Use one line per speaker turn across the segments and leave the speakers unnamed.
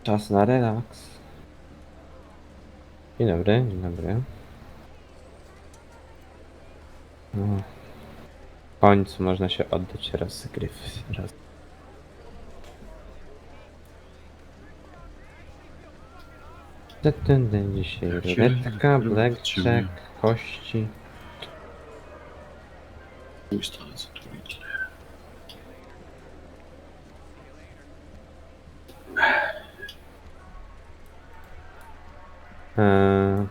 Czas na relaks. Dzień dobry, dzień dobry. No. W końcu można się oddać rozgrywce. Ten dzisiaj ruletka, blackjack, kości.
Ustale co tu idzie.
Eee,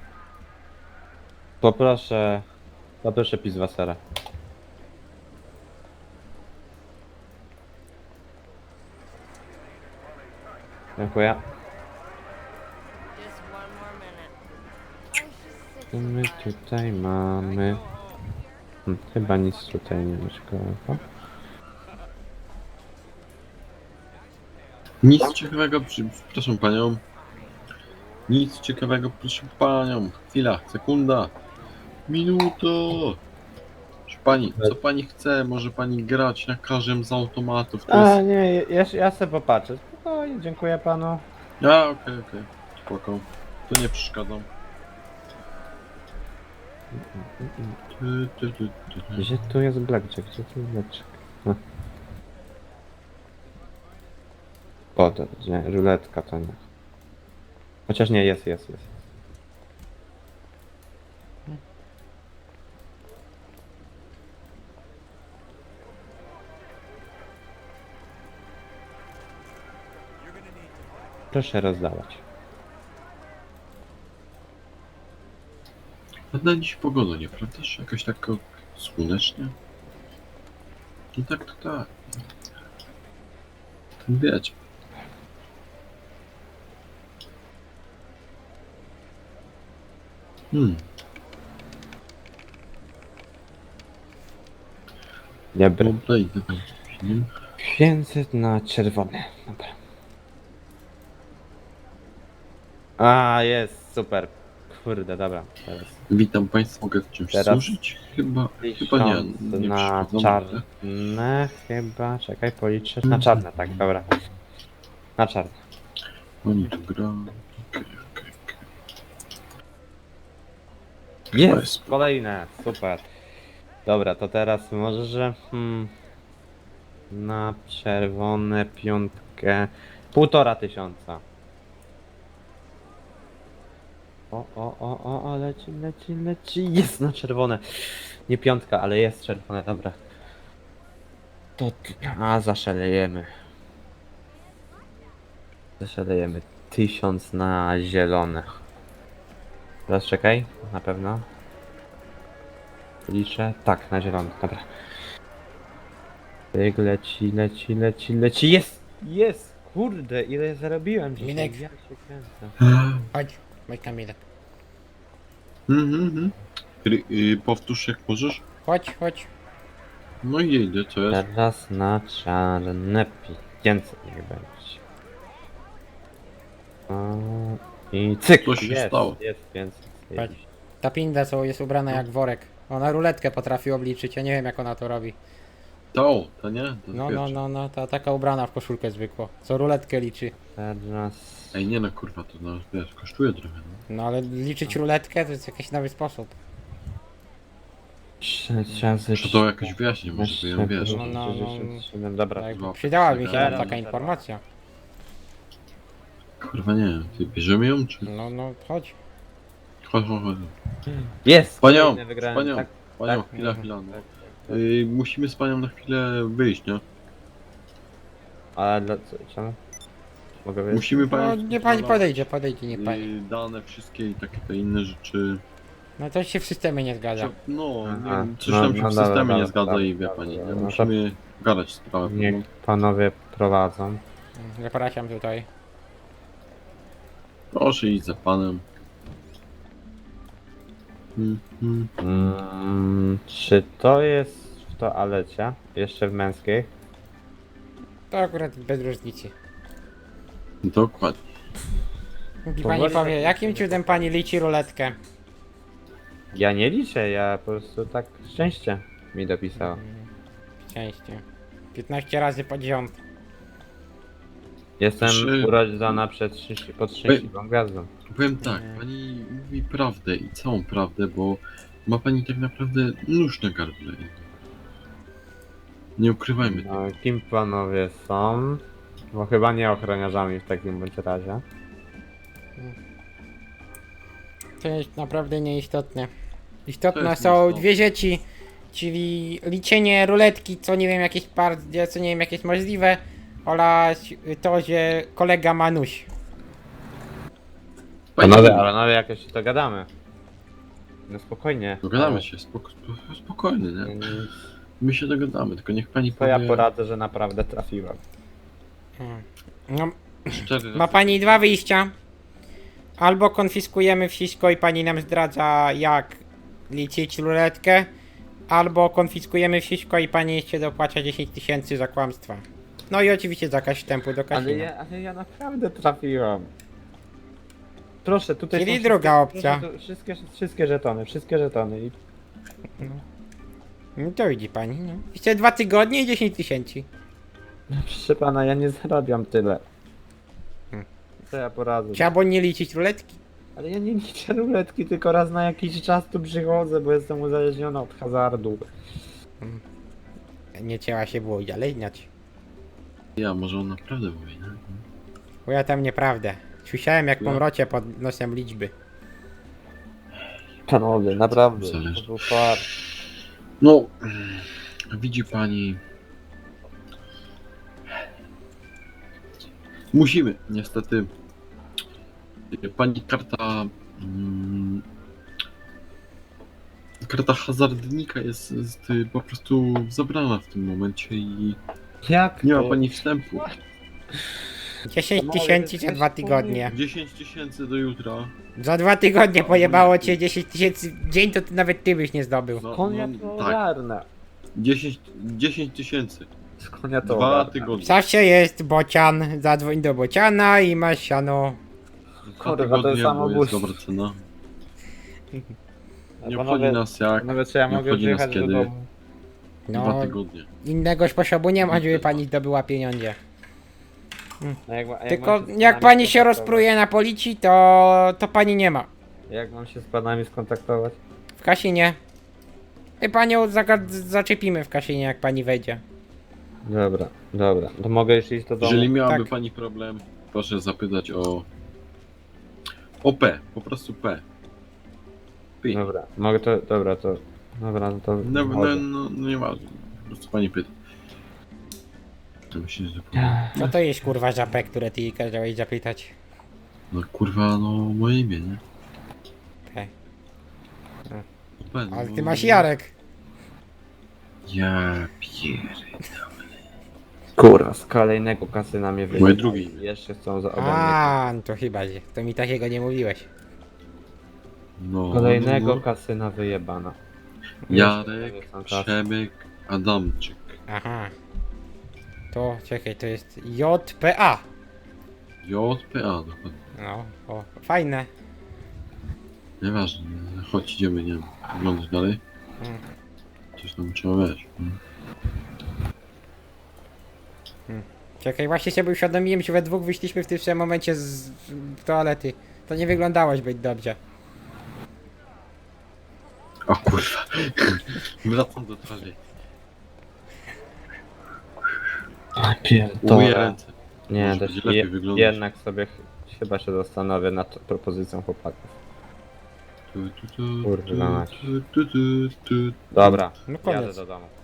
poproszę Pizwasera. Dziękuję.
Just one more minute.
Co my tutaj mamy? Chyba nic tutaj nie ma ciekawego.
Nic ciekawego, przepraszam panią. Nic ciekawego, proszę panią. Chwila, sekunda. Minuto. Proszę pani, co pani chce? Może pani grać na każdym z automatów. To
A
jest...
nie, ja sobie popatrzę. Spokojnie, dziękuję panu.
A, okej. Spoko. To nie przeszkadzam.
Gdzie tu jest blackjack? Gdzie tu jest blackjack? O, to nie, ruletka to nie. Chociaż nie, jest. Proszę rozdawać.
Ładna dziś pogoda, nieprawdaż? Jakaś taka słonecznie? No tak, to tak. Wiecie.
Dobry.
Dobra, idę tam z filmem.
500 na czerwony. Dobra. A, jest, super. Kurde, dobra. Teraz
Witam Państwa, mogę w czymś
Teraz
służyć? Chyba nie,
1000
nie
na
przeszkadzam.
czarne chyba. Czekaj, policzę. Na czarne, tak, dobra. Na czarne.
Oni tu gra. Okej.
Jest! Kolejne, super. Dobra, to teraz może, że na czerwone piątkę 1500. O, leci. Jest na czerwone. Nie piątka, ale jest czerwone, dobra. To, zaszalejemy. 1000 na zielone. Teraz czekaj, na pewno. Liczę. Tak, na zielony, dobra. Tyk, leci. Jest! Kurde, ile zarobiłem dzisiaj.
Minek.
Ja się kręcę.
Chodź Kamilek.
Powtórz jak możesz.
Chodź.
No i idę, co jest?
Teraz na czarne 500 niech będzie. O, i cyk!
Co się
jest,
stało?
Jest 500.
Patrz. Ta pinda co jest ubrana jak worek. Ona ruletkę potrafi obliczyć, ja nie wiem jak ona to robi.
To nie? To
No, ta taka ubrana w koszulkę zwykło. Co ruletkę liczy.
Teraz...
Ej, nie no kurwa, to no, wiesz, kosztuje trochę, no.
No ale liczyć ruletkę to jest jakiś nowy sposób.
6 razy
Muszę to jakoś wyjaśnić, może to ją wiesz.
No.
67, dobra.
Tak,
złap.
przydała mi się
Teraz,
taka
teraz.
informacja.
Kurwa nie, ty bierzemy ją, czy...
No, chodź.
Chodź.
Jest!
Panią,
kolejny wygrałem,
panią,
tak?
panią,
tak.
chwila, no.
Tak.
Musimy z panią na chwilę wyjść, nie?
Ale dla co? Czemu? Mogę wiedzieć?
Musimy
No
panią...
nie pani podejdzie, nie pani.
Dane wszystkie i takie te inne rzeczy.
No to się w systemie nie zgadza.
No,
Aha,
nie, coś
no,
tam się
no
w
dobra,
systemie nie
dobra,
zgadza
dobra,
i wie
dobra,
pani,
dobra,
nie?
no to-
Musimy gadać sprawę.
Niech panowie prowadzą.
Zapraszam tutaj.
Proszę iść za panem.
Czy to jest w toalecie? Jeszcze w męskiej?
To akurat bez różnicy.
Dokładnie.
I pani
Powoli
powie,
tak-
jakim cudem pani liczy ruletkę?
Ja nie liczę, ja po prostu tak szczęście mi dopisało.
Szczęście. 15 razy pod rząd.
Jestem
Trzy-
urodzona pod szczęśliwą gwiazdą.
Powiem tak, pani mówi prawdę i całą prawdę, bo ma pani tak naprawdę nóż na gardle. Nie ukrywajmy tego.
No, kim panowie są? Bo chyba nie ochroniarzami w takim bądź razie.
To jest naprawdę nieistotne.
To
Istotne
jest
są
nieistotne.
dwie rzeczy, czyli liczenie ruletki, co nie wiem jakieś co nie wiem jakieś możliwe, oraz to, że kolega ma nóż.
Panowie, jakoś się dogadamy. No spokojnie.
Dogadamy się, spokojnie, nie? My się dogadamy, tylko niech pani
To
powie...
ja poradzę, że naprawdę trafiłem.
No,
szczery
ma pani dwa wyjścia. Albo konfiskujemy wszystko i pani nam zdradza jak liczyć ruletkę, albo konfiskujemy wszystko i pani jeszcze dopłaca 10 000 za kłamstwa. No i oczywiście zakaz wstępu do kasyna.
Ale ja naprawdę trafiłem. Proszę, tutaj
Czyli
są
druga opcja.
proszę, wszystkie żetony i...
No to widzi pani, no. Jeszcze 2 tygodnie i 10 000.
No, proszę pana, ja nie zarabiam tyle.
Hmm.
Co ja poradzę?
Trzeba nie liczyć ruletki.
Ale ja nie liczę ruletki, tylko raz na jakiś czas tu przychodzę, bo jestem uzależniony od hazardu.
Nie trzeba się było uzależniać.
Ja, może on naprawdę mówi, nie?
Bo ja tam nieprawdę. Słyszałem jak
No.
pomrocie pod nosem liczby.
Panowie, naprawdę,
Zależy.
to był fart.
No, widzi pani... Musimy, niestety. Pani karta... Karta hazardnika jest po prostu zabrana w tym momencie i
Jak
nie ma
to?
pani wstępu.
10
Panowie,
000 za
coś
2 tygodnie.
10 000 do jutra.
Za 2 tygodnie pojebało cię 10 000 w dzień, to nawet ty byś nie zdobył.
No,
Skąd ja
no,
to
tak,
ogarnę?
10 000.
Skąd ja to
2
ogarnę?
tygodnie.
Zawsze jest bocian, zadzwoń do bociana i masz siano.
2
Kurwa, to jest
tygodnie, bo jest
samobójstwo.
dobra cena. Nie
Panowie-
obchodzi nas jak.
Nawet czy ja
nie
mogę
obchodzi nas
przyjechać do
kiedy.
domu?
2
No,
tygodnie.
innego sposobu nie ma, żeby pani zdobyła pieniądze.
A jak
Tylko
mam się z
jak
panami
pani się
skontaktować?
rozpruje na policji, to pani nie ma.
Jak mam się z panami skontaktować?
W kasinie. I panią zaczepimy w kasinie, jak pani wejdzie.
Dobra. To mogę już iść do domu?
Jeżeli miałaby
Tak.
pani problem, proszę zapytać o P, po prostu P. P.
Dobra, mogę to... Dobra, to... Dobra, no to...
No nie ważne, po prostu pani pyta. To myślę, że
Co to jest kurwa żapę, które ty jej kazałeś zapytać?
no kurwa, no moje imię, nie?
P.
P, no,
Ale ty masz Jarek.
Ja pierdolę.
Kurwa, z kolejnego kasyna mnie wyjechali.
Moje drugie imię.
Jeszcze chcą ode mnie.
A, no to chyba, że to mi takiego nie mówiłeś.
No,
Kolejnego
no.
kasyna wyjebana.
Jarek,
Jeszcze są czasy.
Przemek, Adamczyk.
Aha. To, czekaj, to jest JPA.
JPA, dokładnie.
No, o, fajne.
Nieważne, chodź idziemy, nie wiem, oglądać dalej.
Mm.
Coś tam trzeba wiesz.
Czekaj, właśnie sobie uświadomiłem, że we dwóch wyszliśmy w tym samym momencie z toalety. To nie wyglądało zbyt dobrze.
O kurwa. Wracam do twarzy. Umyję
Pierdolę.
ręce.
Nie,
Może
też
będzie lepiej wyglądać.
jednak sobie chyba się zastanowię nad propozycją chłopaków. Kurwa mać. Dobra,
No
jadę
koniec.
do domu.